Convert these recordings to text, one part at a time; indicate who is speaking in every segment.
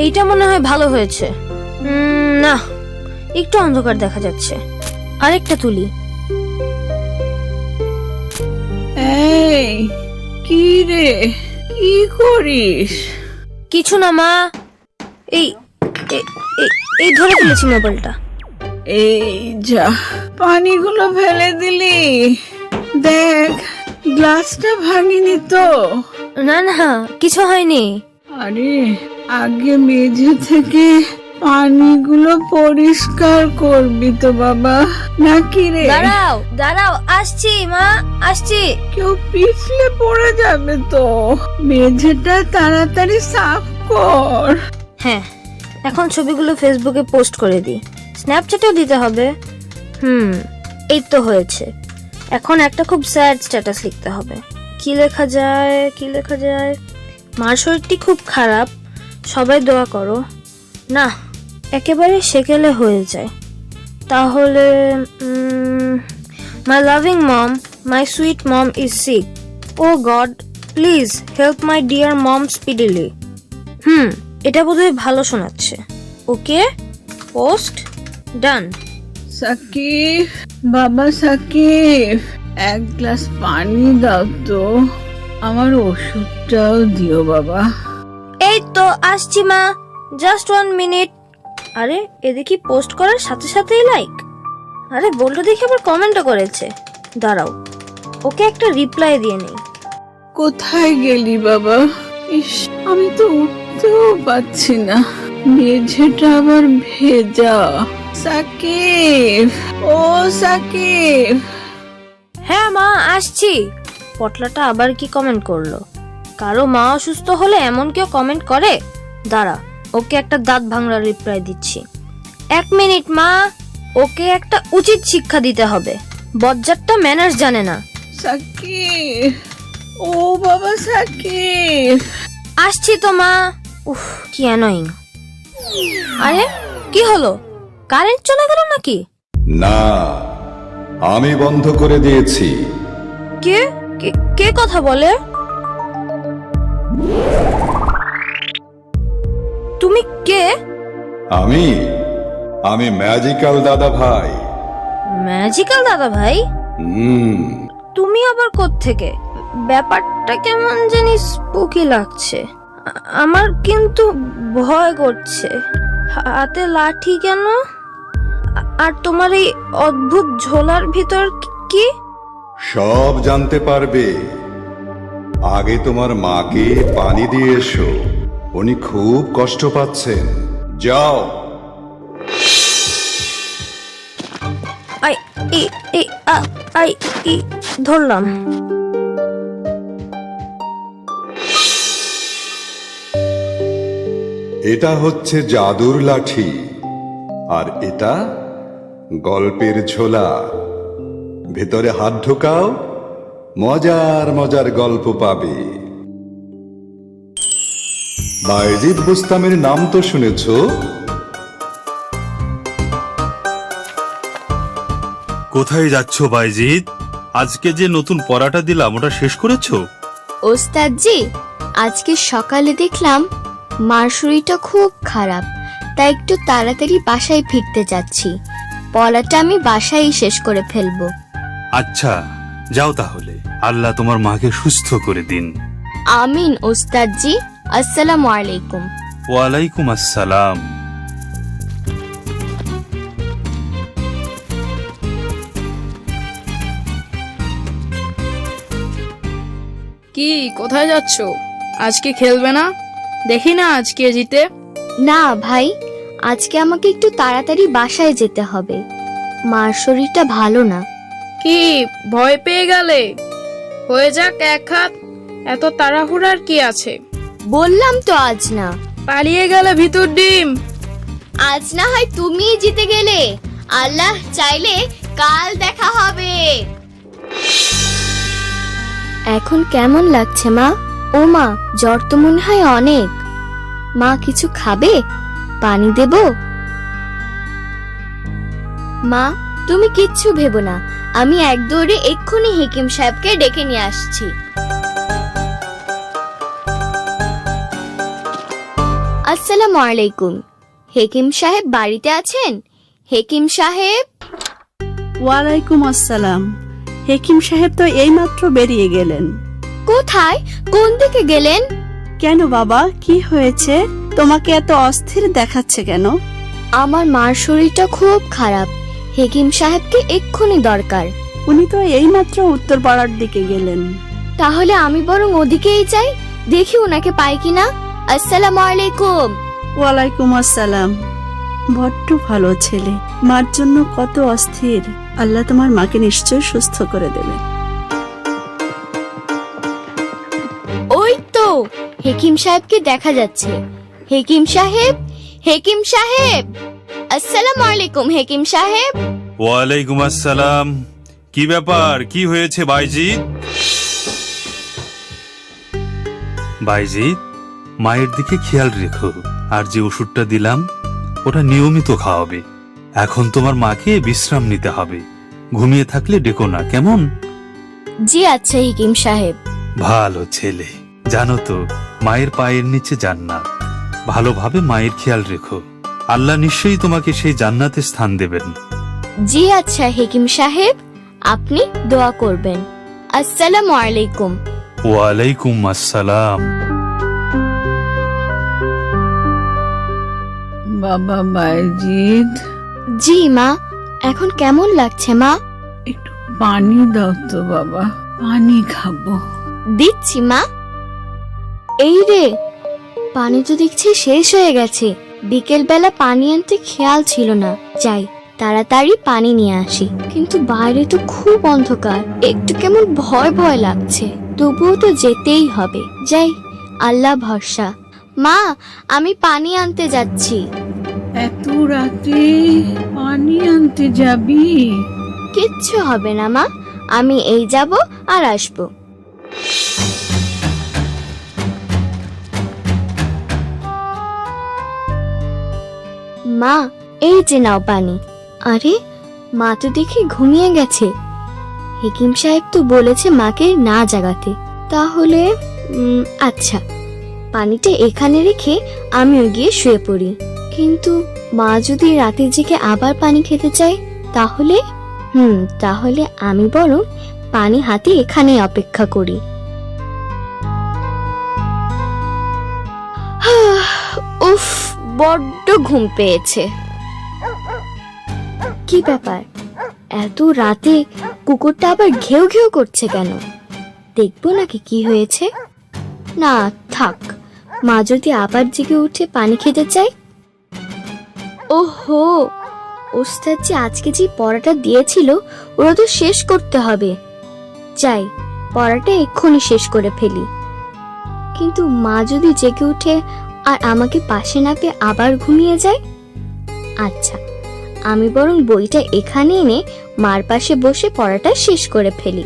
Speaker 1: এইটা মনে হয় ভালো হয়েছে। না, একটু অন্ধকার দেখা যাচ্ছে। আরেকটা তুলি।
Speaker 2: এই কি রে, কি করিস?
Speaker 1: কিছু না মা, এই এ- এ- এই ধরে ফেলেছি মোবাইলটা।
Speaker 2: এই যা, পানিগুলো ফেলে দিলি। দেখ, গ্লাসটা ভাঙিনি তো?
Speaker 1: না না, কিছু হয়নি।
Speaker 2: আরে, আগে মেঝে থেকে পানিগুলো পরিষ্কার করবি তো বাবা, নাকি রে?
Speaker 1: দাঁড়াও দাঁড়াও, আসছি মা, আসছি।
Speaker 2: কেউ পিছলে পড়ে যাবে তো। মেঝেটা তাড়াতাড়ি সাফ কর।
Speaker 1: হ্যাঁ, এখন ছবিগুলো ফেসবুকে পোস্ট করে দিই, স্ন্যাপচ্যাটেও দিতে হবে। এই তো হয়েছে। এখন একটা খুব স্যাড স্ট্যাটাস লিখতে হবে। কি লেখা যায়, কি লেখা যায়? মার শরীরটি খুব খারাপ, সবাই দোয়া করো। না, একেবারে সেকেলে হয়ে যায়। তাহলে my loving mom, my sweet mom is sick. Oh god, please help my dear mom speedily. এটা বোধহয় ভালো শোনাচ্ছে। ওকে, পোস্ট ডান।
Speaker 2: সাকিব, বাবা সাকিব, এক গ্লাস পানি দাও তো। আমার ওষুধটাও দিও বাবা।
Speaker 1: এই তো আসছি মা, জাস্ট 1 মিনিট। আরে, এ দেখি পোস্ট করার সাথে সাথেই লাইক। আরে, বলটা দেখি আবার কমেন্টও করেছে। দাঁড়াও, ওকে একটা রিপ্লাই দিয়ে নেই।
Speaker 2: কোথায় গেলি বাবা? ইস, আমি তো উঠতেও পাচ্ছি না, মেঝেটা আবার ভেজা। সাকিব, ও সাকিব।
Speaker 1: হ্যাঁ মা, আসছি। পটলাটা আবার কি কমেন্ট করলো? কারো মা অসুস্থ হলে এমন কেউ কমেন্ট করে? দাঁড়া, ওকে একটা দাঁত ভাঙড়া রিপ্লাই দিচ্ছি। 1 মিনিট মা, ওকে একটা উচিত শিক্ষা দিতে হবে। বজ্জাতটা ম্যানার্স জানে না।
Speaker 2: সাকিব, ও বাবা সাকিব।
Speaker 1: আসছি তো মা। উফ, কি অ্যানোয়িং। আরে, কি হলো? কারেন্ট চলে গেল নাকি?
Speaker 3: না, আমি বন্ধ করে দিয়েছি।
Speaker 1: কে কে কথা বলে? তুমি কে?
Speaker 3: আমি আমি ম্যাজিক্যাল দাদা ভাই।
Speaker 1: ম্যাজিক্যাল দাদা ভাই? তুমি আবার কোত্থেকে? ব্যাপারটা কেমন জানি স্পুকি লাগছে। আমার কিন্তু ভয় করছে। হাতে লাঠি কেন? আর তোমার এই অদ্ভুত ঝোলার ভিতর কি?
Speaker 3: সব জানতে পারবে। আগে তোমার মাকে পানি দিয়ে এসো, উনি খুব কষ্ট পাচ্ছেন। যাও।
Speaker 1: I E E a I E ধরলাম।
Speaker 3: এটা হচ্ছে জাদুর লাঠি, আর এটা গল্পের ঝোলা। ভেতরে হাত ঢোকাও, মজার মজার গল্প পাবে। বায়েজিদ বুস্তামের নাম তো শুনেছ?
Speaker 4: কোথায় যাচ্ছ বাইজিদ? আজকে যে নতুন পড়াটা দিলাম ওটা শেষ করেছো?
Speaker 5: ওস্তাদজি, আজকে সকালে দেখলাম মার শরীরটা খুব খারাপ, তাই একটু তাড়াতাড়ি বাসায় ফিরতে যাচ্ছি। পড়াটা আমি বাসায় শেষ করে ফেলবো।
Speaker 4: আচ্ছা, যাও তাহলে। আল্লাহ তোমার মাকে সুস্থ করে দিন।
Speaker 5: আমিন ওস্তাদজি। আসসালামু আলাইকুম।
Speaker 4: ওয়ালাইকুম আসসালাম।
Speaker 6: কি, কোথায় যাচ্ছ? আজকে খেলবে না? দেখি না আজকে জিতে।
Speaker 5: না ভাই, আজকে আমাকে একটু তাড়াতাড়ি বাসায় যেতে হবে। মার শরীরটা ভালো না।
Speaker 6: কি, ভয় পেয়ে গেলে? হয়ে যাক এক হাত, এত তাড়াহুড়ার কি আছে?
Speaker 5: বললাম তো আজ না।
Speaker 6: পালিয়ে গেলে ভিতর ডিম।
Speaker 5: আজ না হয় তুমি জিতে গেলে, আল্লাহ চাইলে কাল দেখা হবে। এখন কেমন লাগছে মা? ও মা, জ্বর তো মনে হয় অনেক। মা কিছু খাবে? পানি দেব? মা, তুমি কিচ্ছু ভেবো না, আমি এক দৌড়ে এক্ষুনি হেকিম সাহেবকে ডেকে নিয়ে আসছি। আসসালামু আলাইকুম। হেকিম সাহেব বাড়িতে আছেন? হেকিম সাহেব।
Speaker 7: ওয়ালাইকুম আসসালাম। হেকিম সাহেব তো এইমাত্র বেরিয়ে গেলেন।
Speaker 5: কোথায়? কোন দিকে গেলেন?
Speaker 7: কেন বাবা, কি হয়েছে? তোমাকে এত অস্থির দেখাচ্ছে কেন?
Speaker 5: আমার মার শরীরটা খুব খারাপ, হেকিম সাহেবকে এক্ষুনি দরকার।
Speaker 7: উনি তো এইমাত্র উত্তর পাড়ার দিকে গেলেন।
Speaker 5: তাহলে আমি বরং ওদিকেই যাই, দেখি ওনাকে পাই কিনা। আসসালামু আলাইকুম।
Speaker 7: ওয়ালাইকুম আসসালাম। বড্ড ভালো ছেলে, মার জন্য কত অস্থির। আল্লাহ তোমার মাকে নিশ্চয় সুস্থ করে দেবে।
Speaker 5: ওই তো হেকিম সাহেবকে দেখা যাচ্ছে। হেকিম সাহেব, হেকিম সাহেব। আসসালামু আলাইকুম হেকিম সাহেব।
Speaker 4: ওয়ালাইকুম আসসালাম। কি ব্যাপার, কি হয়েছে বাইজিৎ? বাইজিৎ, মায়ের দিকে খেয়াল রেখো, আর যে ওষুধটা দিলাম ওটা নিয়মিত খাওয়াবে। এখন তোমার মাকে বিশ্রাম নিতে হবে, ঘুমিয়ে থাকলে ডেকো না, কেমন?
Speaker 5: জি আচ্ছা হেকিম সাহেব।
Speaker 4: ভালো ছেলে। জানো তো, মায়ের পায়ের নিচে জান্নাত। ভালোভাবে মায়ের খেয়াল রেখো, আল্লাহ নিশ্চয়ই তোমাকে সেই জান্নাতে স্থান দেবেন।
Speaker 5: জি আচ্ছা হেকিম সাহেব, আপনি দোয়া করবেন। আসসালামু আলাইকুম।
Speaker 4: ওয়ালাইকুম আসসালাম।
Speaker 2: বাবা বাইজিদ,
Speaker 5: জি মা, এখন কেমন লাগছে মা?
Speaker 2: একটু পানি দাও তো বাবা, পানি খাবো।
Speaker 5: দিচ্ছি মা। এই রে, পানি তো দেখছি শেষ হয়ে গেছে। বিকেল বেলা পানি আনতে খেয়াল ছিল না। যাই তাড়াতাড়ি পানি নিয়ে আসি। কিন্তু বাইরে তো খুব অন্ধকার, একটু কেমন ভয় ভয় লাগছে। তবুও তো যেতেই হবে। যাই, আল্লাহ ভরসা। মা, আমি পানি আনতে যাচ্ছি।
Speaker 2: এত রাতে পানি আনতে যাবি?
Speaker 5: কিচ্ছু হবে না মা, আমি এই যাব আর আসবো। মা, এই যে নাও পানি। আরে, মা তো দেখি ঘুমিয়ে গেছে। হেকিম সাহেব তো বলেছে মাকে না জাগাতে। তাহলে আচ্ছা, পানিটা এখানে রেখে আমিও গিয়ে শুয়ে পড়ি। কিন্তু মা যদি রাতে জেগে আবার পানি খেতে চায়, তাহলে তাহলে আমি বরং পানি হাতে এখানে অপেক্ষা করি। উফ, বড্ড ঘুম পেয়েছে। কি ব্যাপার, এত রাতে কুকুরটা আবার ঘেউ ঘেউ করছে কেন? দেখবো নাকি কি হয়েছে। না থাক, মা যদি আবার জেগে উঠে পানি খেতে চায়। ওহো, ওস্তাদ যে আজকে যে পড়াটা দিয়েছিল ওরা তো শেষ করতে হবে। যাই, পড়াটা এক্ষুনি শেষ করে ফেলি। কিন্তু মা যদি জেগে উঠে আর আমাকে পাশে না পেয়ে আবার ঘুমিয়ে যায়। আচ্ছা, আমি বরং বইটা এখানে এনে মার পাশে বসে পড়াটা শেষ করে ফেলি।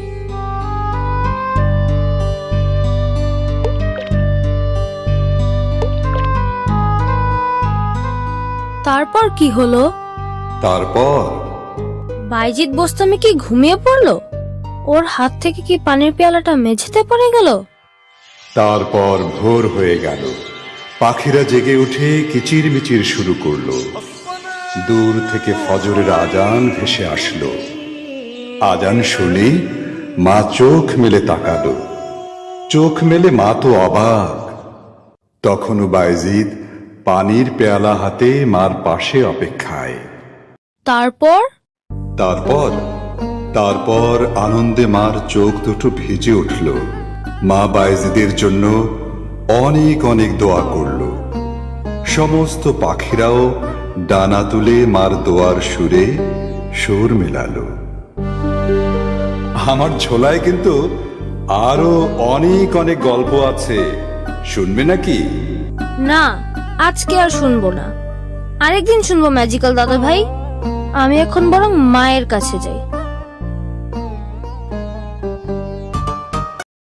Speaker 1: তারপর কি হলো?
Speaker 3: তারপর
Speaker 1: বাইজিৎ বোস্তামি কি ঘুমিয়ে পড়লো? ওর হাত থেকে কি পানির পেয়ালাটা মেঝেতে পড়ে গেল?
Speaker 3: তারপর ভোর হয়ে গেল। পাখিরা জেগে উঠে কিচিরমিচির শুরু করলো। দূর থেকে ফজরের আজান ভেসে আসলো। আজান শুনে মা চোখ মেলে তাকালো। চোখ মেলে মা তো অবাক। তখনও বাইজিদ পানির পেয়ালা হাতে মার পাশে অপেক্ষায়।
Speaker 1: তারপর
Speaker 3: তারপর তারপর আনন্দে মার চোখ দুটো ভিজে উঠল। মা বাইজিদের জন্য অনেক অনেক দোয়া করল। সমস্ত পাখিরাও ডানা তুলে মার দোয়ার সুরে সুর মেলালো। আমার ঝোলায় কিন্তু আরো অনেক অনেক গল্প আছে, শুনবে নাকি?
Speaker 1: না, আজকে আর শুনবো না, আরেকদিন শুনবো ম্যাজিক্যাল দাদা ভাই। আমি এখন বরং মায়ের কাছে যাই।